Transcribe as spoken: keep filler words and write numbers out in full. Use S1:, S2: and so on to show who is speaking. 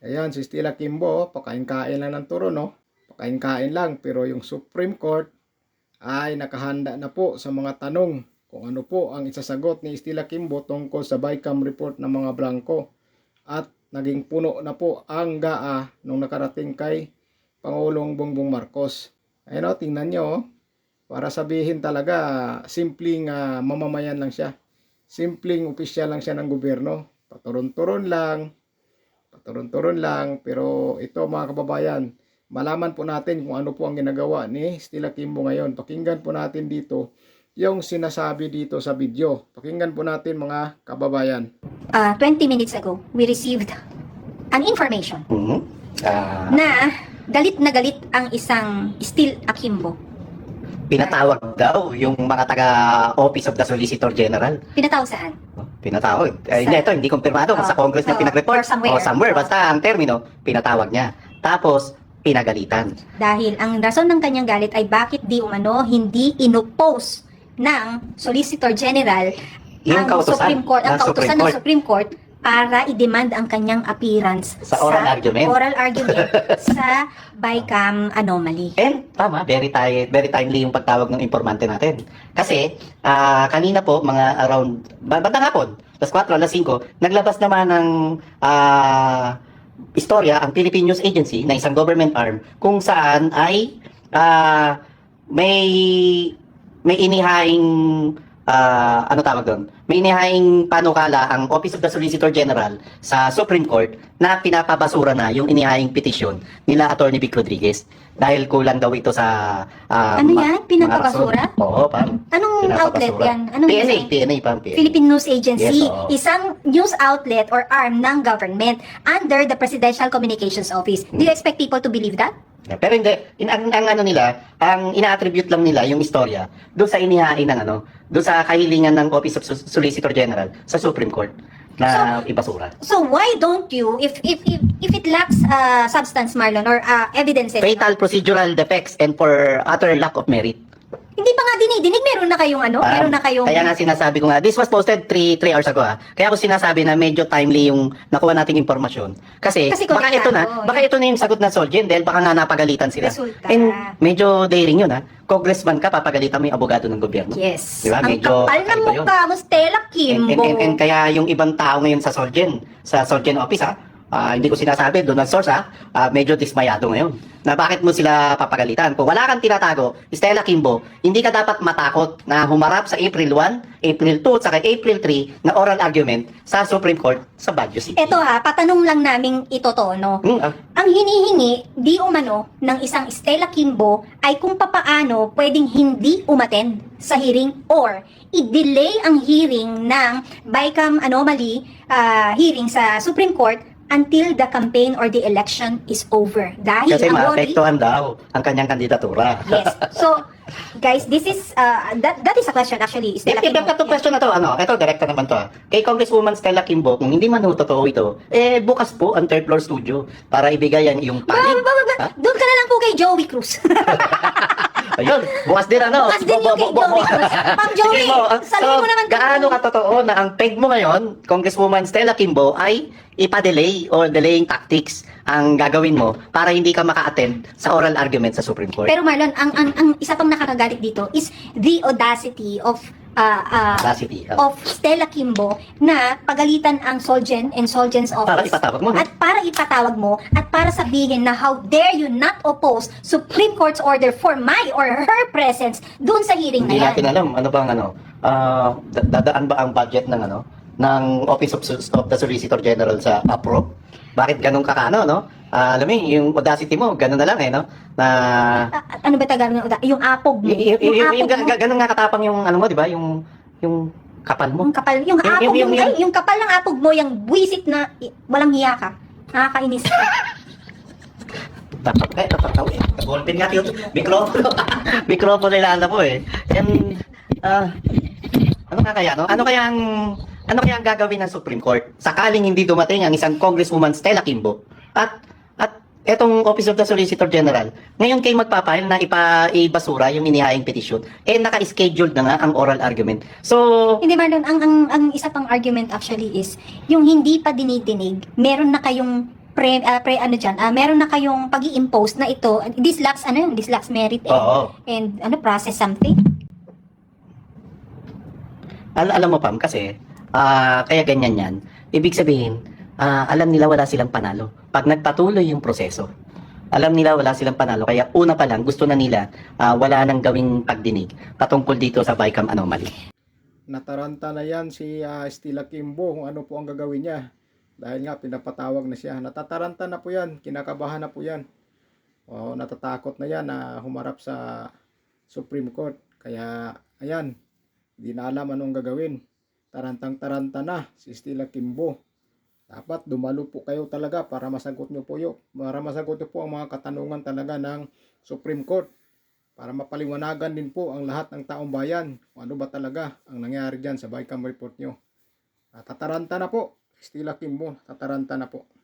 S1: Ayan, si Stella Kimbo, pakain-kain lang ng turo, no? Pakain-kain lang, pero yung Supreme Court ay nakahanda na po sa mga tanong kung ano po ang isasagot ni Stella Kimbo tungkol sa BICAM report ng mga blanco. At naging puno na po ang G A A nung nakarating kay Pangulong Bongbong Marcos. Ayun o, tingnan nyo, oh. Para sabihin talaga, simpleng uh, mamamayan lang siya. Simpleng opisyal lang siya ng gobyerno. Paturon-turon lang, paturon-turon lang. Pero ito mga kababayan, malaman po natin kung ano po ang ginagawa ni Stella Kimbo ngayon. Pakinggan po natin dito yung sinasabi dito sa video. Pakinggan po natin mga kababayan.
S2: Uh, twenty minutes ago, we received an information
S3: Mhm. Ah,
S2: na galit na galit ang isang Stella Kimbo.
S3: pinatawag daw yung mga taga-Office of the Solicitor General.
S2: Pinatawag saan?
S3: Pinatawag. Ay,
S2: Sa-
S3: hindi, ito, hindi kumpirmado kung
S2: Oh,
S3: sa Congress na
S2: oh,
S3: pinag-report.
S2: or somewhere.
S3: O somewhere,
S2: Oh.
S3: basta ang termino, pinatawag niya. Tapos, pinagalitan.
S2: Dahil ang rason ng kanyang galit ay bakit di umano hindi inopose ng Solicitor General
S3: Yung
S2: ang
S3: kautusan
S2: Supreme Court, ang
S3: ng Supreme
S2: kautusan ng
S3: Court.
S2: Supreme Court para i-demand ang kanyang appearance
S3: Sa oral argument.
S2: oral argument sa BICAM anomaly.
S3: And, tama, very, ti- very timely yung pagtawag ng informante natin. Kasi, ah, kanina po, mga around, ba- bandang hapon, alas kwatro, alas singko, naglabas naman ng ah, istorya ang Philippine News Agency na isang government arm kung saan ay ah, may may inihaing ah, ano tawag doon? May inihaing panukala ang Office of the Solicitor General sa Supreme Court na pinapabasura na yung inihaing petisyon nila Attorney Vic Rodriguez dahil kulang daw ito sa ah,
S2: Ano
S3: ma-
S2: yan?
S3: mga
S2: Pinapabasura?
S3: rason. Oo, pam.
S2: Anong outlet
S3: Pinapabasura.
S2: yan? Anong
S3: P N A,
S2: isang-
S3: P N A, pam. P N A.
S2: Philippine News Agency,
S3: Yes, oo.
S2: isang news outlet or arm ng government under the Presidential Communications Office. Do you expect people to believe that?
S3: Yeah, pero hindi, in, ang, ang ano nila, ang ina-attribute lang nila yung istorya doon sa inihain ng ano, doon sa kahilingan ng Office of Sol- Solicitor General sa Supreme Court na ibasura.
S2: So why don't you, if if if, if it lacks uh, substance, Marlon, or uh, evidences,
S3: Fatal procedural defects and for utter lack of merit.
S2: hindi pa nga dinidinig, meron na kayong ano,
S3: Ah,
S2: meron na kayong...
S3: Kaya nga sinasabi ko nga, this was posted three hours ago ha. Kaya ako sinasabi na medyo timely yung nakuha nating impormasyon. Kasi,
S2: Kasi
S3: baka ito na,
S2: konektado,
S3: baka ito na yung sagot na Solgen dahil baka nga napagalitan sila.
S2: Resulta.
S3: And medyo daring yun ha. Congressman ka, papagalitan mo yung abogado ng gobyerno.
S2: Yes.
S3: Diba?
S2: Ang
S3: Medyo
S2: kapal ng
S3: kakaiba yun.
S2: mukha mo, Stella
S3: And,
S2: Kimbo.
S3: and, and, and kaya yung ibang tao ngayon sa Solgen, sa Solgen office ha, ah, hindi ko sinasabi, doon ang source ha, ah, medyo dismayado ngayon. Na bakit mo sila papagalitan? Kung wala kang tinatago, Stella Kimbo, hindi ka dapat matakot na humarap sa April first, April two, at saka April three na oral argument sa Supreme Court sa Baguio City.
S2: Ito ha, patanong lang naming itotono.
S3: Hmm, ah,
S2: Ang hinihingi, di umano, ng isang Stella Kimbo ay kung papaano pwedeng hindi umattend sa hearing or i-delay ang hearing ng BICAM anomaly ah, hearing sa Supreme Court until the campaign or the election is over. Dahil
S3: kasi
S2: ang worry,
S3: maapektuhan daw ang kanyang kandidatura.
S2: yes. So, guys, this is, uh, that, that is a question actually, Stella
S3: If, if
S2: Kimbo.
S3: that question na to, ano, ito, direkta naman to ha. Kay Congresswoman Stella Kimbo, kung hindi man ho totoo ito, eh, bukas po ang third floor studio para ibigay ang iyong
S2: Ba-
S3: panig.
S2: ba- ba- ba-
S3: Ha?
S2: Doon ka na lang po kay Joey Cruz.
S3: Ayun, bukas din ano.
S2: Bukas din yung kay
S3: Bo- bo- bo-
S2: Joey Cruz. Ma'am Joey,
S3: Sige mo, ah,
S2: sabihin mo naman kung-
S3: gaano katotoo na ang peg mo ngayon, Congresswoman Stella Kimbo, ay ipa-delay or delaying tactics ang gagawin mo para hindi ka maka-attend sa oral argument sa Supreme Court.
S2: Pero Marlon, ang, ang, ang isa pang nakakagalit dito is the audacity of uh, uh,
S3: Audacity, oh.
S2: of Stella Kimbo na pagalitan ang Solgen and Solgen's office.
S3: Para ipatawag mo, no?
S2: At para ipatawag mo at para sabihin na how dare you not oppose Supreme Court's order for my or her presence doon sa hearing
S3: Hindi
S2: na yan.
S3: natin alam ano bang ano, ah, da- dadaan ba ang budget ng ano ng Office of, Sus- of the Solicitor General sa APRO? Bakit ganun kakano, no? Ah, alam mo, yung audacity mo, ganun na lang eh, no? Na
S2: Ah, ano ba Tagalog ng uda? Yung apog mo.
S3: y- y- y- yung, yung,
S2: apog mo.
S3: ga- ganun nga katapang yung ano mo, di ba? Yung yung kapal mo.
S2: Yung kapal, yung,
S3: Yung-
S2: apog,
S3: yung-
S2: yung,
S3: yung-
S2: ay, yung kapal ng apog mo, yung buwisit na i- walang hiya ka. Nakakainis ka.
S3: Tapos eh, tapos eh. Ballpen nga yung mikropono. Mikropono nila po eh. And ah ano nga kaya no? Ano kaya ang ano kaya ang gagawin ng Supreme Court sakaling hindi dumating ang isang Congresswoman Stella Kimbo at at etong Office of the Solicitor General ngayon kay magpapahil na ipa ibasura yung inihaing petisyon eh naka-scheduled na nga ang oral argument. So
S2: Hindi Marlon, ang, ang, ang isa pang argument actually is, yung hindi pa dinidinig, meron na kayong pre, ah, pre ano dyan, ah, meron na kayong pag impose na ito, this lacks, ano yun, this lacks merit and,
S3: Oo.
S2: and ano, process something.
S3: Al alam mo, Pam, kasi, ah, kaya ganyan yan. Ibig sabihin, ah, alam nila wala silang panalo. Pag nagpatuloy yung proseso, alam nila wala silang panalo. Kaya una pa lang, gusto na nila ah, wala nang gawing pagdinig patungkol dito sa Bicam anomaly.
S1: Nataranta na yan si ah, Stella Kimbo kung ano po ang gagawin niya. Dahil nga pinapatawag na siya. Natataranta na po yan. Kinakabahan na po yan. O, natatakot na yan na humarap sa Supreme Court. Kaya, ayan, hindi na alam anong gagawin. Tarantang-taranta na si Stella Kimbo. Dapat dumalo po kayo talaga para masagot nyo po yun. Para masagot nyo po ang mga katanungan talaga ng Supreme Court. Para mapaliwanagan din po ang lahat ng taong bayan kung ano ba talaga ang nangyari dyan sa Bicam report nyo. Tataranta na po. Stella Kimbo, tataranta na po.